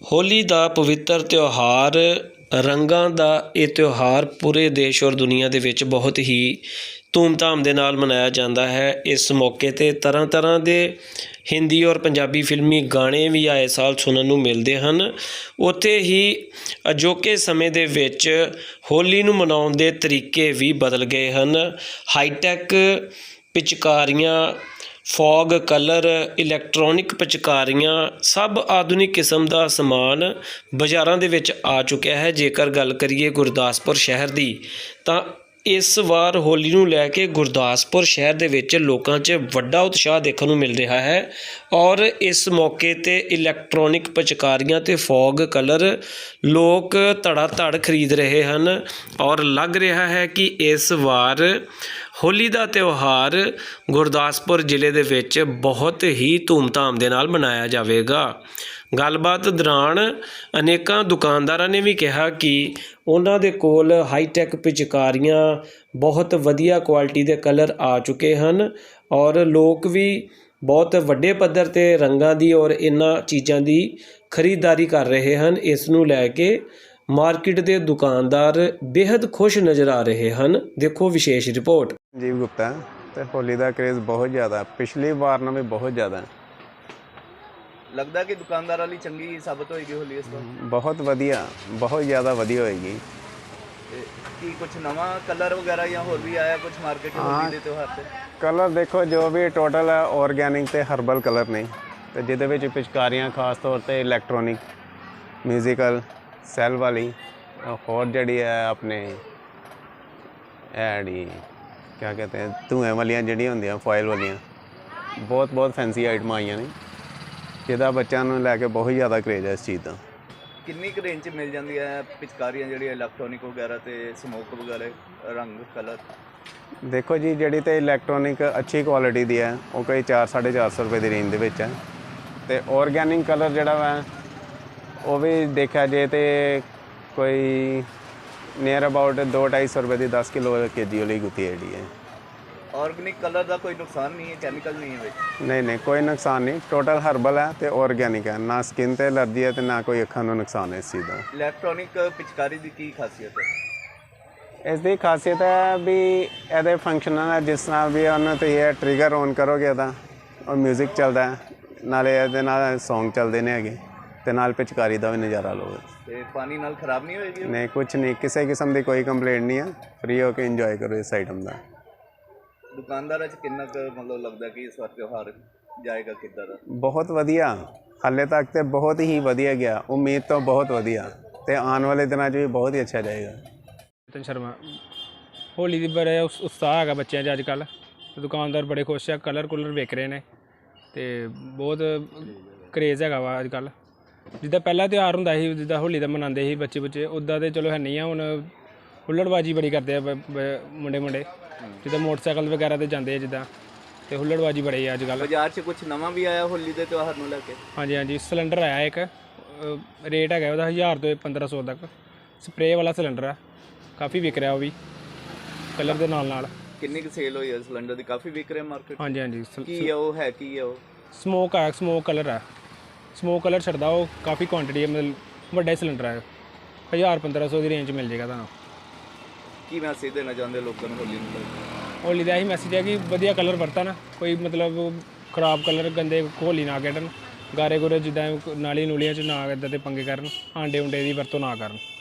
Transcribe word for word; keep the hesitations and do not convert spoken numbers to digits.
ਹੋਲੀ ਦਾ ਪਵਿੱਤਰ ਤਿਉਹਾਰ ਰੰਗਾਂ ਦਾ ਇਹ ਤਿਉਹਾਰ ਪੂਰੇ ਦੇਸ਼ ਔਰ ਦੁਨੀਆ ਦੇ ਵਿੱਚ ਬਹੁਤ ਹੀ ਧੂਮਧਾਮ ਦੇ ਨਾਲ ਮਨਾਇਆ ਜਾਂਦਾ ਹੈ। ਇਸ ਮੌਕੇ 'ਤੇ ਤਰ੍ਹਾਂ ਤਰ੍ਹਾਂ ਦੇ ਹਿੰਦੀ ਔਰ ਪੰਜਾਬੀ ਫਿਲਮੀ ਗਾਣੇ ਵੀ ਆਏ ਸਾਲ ਸੁਣਨ ਨੂੰ ਮਿਲਦੇ ਹਨ। ਉੱਥੇ ਹੀ ਅਜੋਕੇ ਸਮੇਂ ਦੇ ਵਿੱਚ ਹੋਲੀ ਨੂੰ ਮਨਾਉਣ ਦੇ ਤਰੀਕੇ ਵੀ ਬਦਲ ਗਏ ਹਨ। ਹਾਈਟੈਕ ਪਿਚਕਾਰੀਆਂ, ਫੌਗ ਕਲਰ, ਇਲੈਕਟ੍ਰੋਨਿਕ ਪਿਚਕਾਰੀਆਂ, ਸਭ ਆਧੁਨਿਕ ਕਿਸਮ ਦਾ ਸਮਾਨ ਬਾਜ਼ਾਰਾਂ ਦੇ ਵਿੱਚ ਆ ਚੁੱਕਿਆ ਹੈ। ਜੇਕਰ ਗੱਲ ਕਰੀਏ ਗੁਰਦਾਸਪੁਰ ਸ਼ਹਿਰ ਦੀ, ਤਾਂ ਇਸ ਵਾਰ ਹੋਲੀ ਨੂੰ ਲੈ ਕੇ ਗੁਰਦਾਸਪੁਰ ਸ਼ਹਿਰ ਦੇ ਵਿੱਚ ਲੋਕਾਂ 'ਚ ਵੱਡਾ ਉਤਸ਼ਾਹ ਦੇਖਣ ਨੂੰ ਮਿਲ ਰਿਹਾ ਹੈ ਔਰ ਇਸ ਮੌਕੇ 'ਤੇ ਇਲੈਕਟ੍ਰੋਨਿਕ ਪਿਚਕਾਰੀਆਂ ਅਤੇ ਫੌਗ ਕਲਰ ਲੋਕ ਧੜਾ ਧੜ ਖਰੀਦ ਰਹੇ ਹਨ ਔਰ ਲੱਗ ਰਿਹਾ ਹੈ ਕਿ ਇਸ ਵਾਰ ਹੋਲੀ ਦਾ ਤਿਉਹਾਰ ਗੁਰਦਾਸਪੁਰ ਜ਼ਿਲ੍ਹੇ ਦੇ ਵਿੱਚ ਬਹੁਤ ਹੀ ਧੂਮਧਾਮ ਦੇ ਨਾਲ ਮਨਾਇਆ ਜਾਵੇਗਾ। ਗੱਲਬਾਤ ਦੌਰਾਨ ਅਨੇਕਾਂ ਦੁਕਾਨਦਾਰਾਂ ਨੇ ਵੀ ਕਿਹਾ ਕਿ ਉਹਨਾਂ ਦੇ ਕੋਲ ਹਾਈਟੈਕ ਪਿਚਕਾਰੀਆਂ, ਬਹੁਤ ਵਧੀਆ ਕੁਆਲਿਟੀ ਦੇ ਕਲਰ ਆ ਚੁੱਕੇ ਹਨ ਔਰ ਲੋਕ ਵੀ ਬਹੁਤ ਵੱਡੇ ਪੱਧਰ 'ਤੇ ਰੰਗਾਂ ਦੀ ਔਰ ਇਹਨਾਂ ਚੀਜ਼ਾਂ ਦੀ ਖਰੀਦਦਾਰੀ ਕਰ ਰਹੇ ਹਨ। ਇਸ ਨੂੰ ਲੈ ਕੇ ਮਾਰਕੀਟ ਦੇ ਦੁਕਾਨਦਾਰ ਬੇहद ਖੁਸ਼ ਨਜ਼ਰ ਆ ਰਹੇ ਹਨ। ਦੇਖੋ ਵਿਸ਼ੇਸ਼ ਰਿਪੋर्ट। जीव गुप्ता तो होली का क्रेज़ बहुत ज़्यादा, पिछली बार नालों भी बहुत ज़्यादा लगता कि दुकानदार वाली चंगी साबित होएगी होली इस बार? बहुत वधिया, बहुत ज़्यादा वधिया होएगी। कि कुछ नवा कलर वगैरह या होर भी आया कुछ मार्केट होली दे त्योहार ते? कलर देखो जो भी टोटल है ऑर्गैनिक ते हर्बल कलर ने, तो जिहदे विच पिचकारियां खास तौर पर इलैक्ट्रॉनिक, म्यूजिकल, सैल वाली, होर जिहड़ी है अपने एडी क्या कहते हैं धुएं वालियां जिहड़ियां होंदियां फॉयल वालियां, बहुत बहुत फैंसी आइटम आईयां ने जिहदा बच्चों नूं लैके बहुत ज़्यादा क्रेज़ है इस चीज़ का। किन्नी क रेंज मिल जाती है पिचकारियां जिहड़ियां इलैक्ट्रॉनिक वगैरह ते स्मोक वगैरह रंग कलर? देखो जी जिहड़ी ते इलैक्ट्रॉनिक अच्छी क्वालिटी दी है वो कोई चार साढ़े चार सौ रुपये की रेंज दे विच है, ते ऑर्गैनिक कलर जिहड़ा वा वो भी देखा जाए तो कोई नियर अबाउट दो ढाई सौ रुपये की दस किलो के जी वाली गुत्ती है जी है। ऑर्गेनिक कलर का कोई नुकसान नहीं है, केमिकल नहीं है? नहीं नहीं कोई नुकसान नहीं, टोटल हर्बल है तो ऑर्गेनिक है, ना स्किन ते एलर्जी है तो ना कोई अखां नूं नुकसान है इस चीज़ का। इलैक्ट्रॉनिक पिचकारी की की खासियत है? इसकी खासियत है भी ये फंक्शन है जिस नाल भी उन्होंने तो ये ट्रिगर ऑन करोगे तो और म्यूजिक चलता है नाले ये सॉन्ग चलते हैं हैगे ते नाल पिचकारी का भी नज़ारा लोगे। ते पानी नाल खराब नहीं होएगी? नहीं कुछ नहीं, किसी किस्म की कोई कंप्लेंट नहीं है, फ्री होकर इंजॉय करो इस आइटम का। दुकानदार किन्ना मतलब लगता कि इस बार त्यौहार जाएगा किद्दां दा? बहुत वधिया, हाले तक तो बहुत ही वधिया गया, उम्मीद तो बहुत वधिया ते आने वाले दिनों भी बहुत ही अच्छा जाएगा। चेतन शर्मा। होली दी बड़ा उत्साह है बच्चों अजकल, दुकानदार बड़े खुश है, कलर कुलर विक रहे हैं तो बहुत क्रेज़ है वा अजकल। जिद्दां पहला त्यौहार हुंदा सी, जिद्दां होली दा मनाते ही बच्चे बच्चे, उद्दां तो चलो है नहीं है, हुण हुल्लड़बाजी बड़ी करते हैं मुंडे मुंडे, जिद्दां मोटरसाइकिल वगैरह ते जाते हैं जिद्दां, ते हुल्लड़बाजी बड़ी है अजकल। बाजार च कुछ नवा भी आया होली के त्यौहार नूं लैके? हाँ जी हाँ जी, सिलेंडर आया एक, रेट है वह हज़ार तो पंद्रह सौ तक, स्प्रे वाला सिलेंडर है, काफ़ी विक रहा वो भी कलर के नाल नाल। किन्नी क सेल हुई है सिलेंडर की? काफ़ी विक रहा मार्केट? हाँ जी हाँ जी। की है वो है की है वो? स्मोक है, स्मोक कलर है, स्मोक कलर छड़दा वो काफ़ी क्वांटिटी है, मतलब वड्डा सिलेंडर है, हज़ार पंद्रह सौ की रेंज मिल जाएगा तुहानूं। की मैसेज देना चाहते लोगों को होली नूं? होली का यही मैसेज है कि वधिया कलर वरतन, कोई मतलब खराब कलर गंदे होली ना खेडन, गारे गुरे जिद्दां नाली नूलियां च ना इदां दे पंगे करन, आंडे उंडे की वरतों ना करन।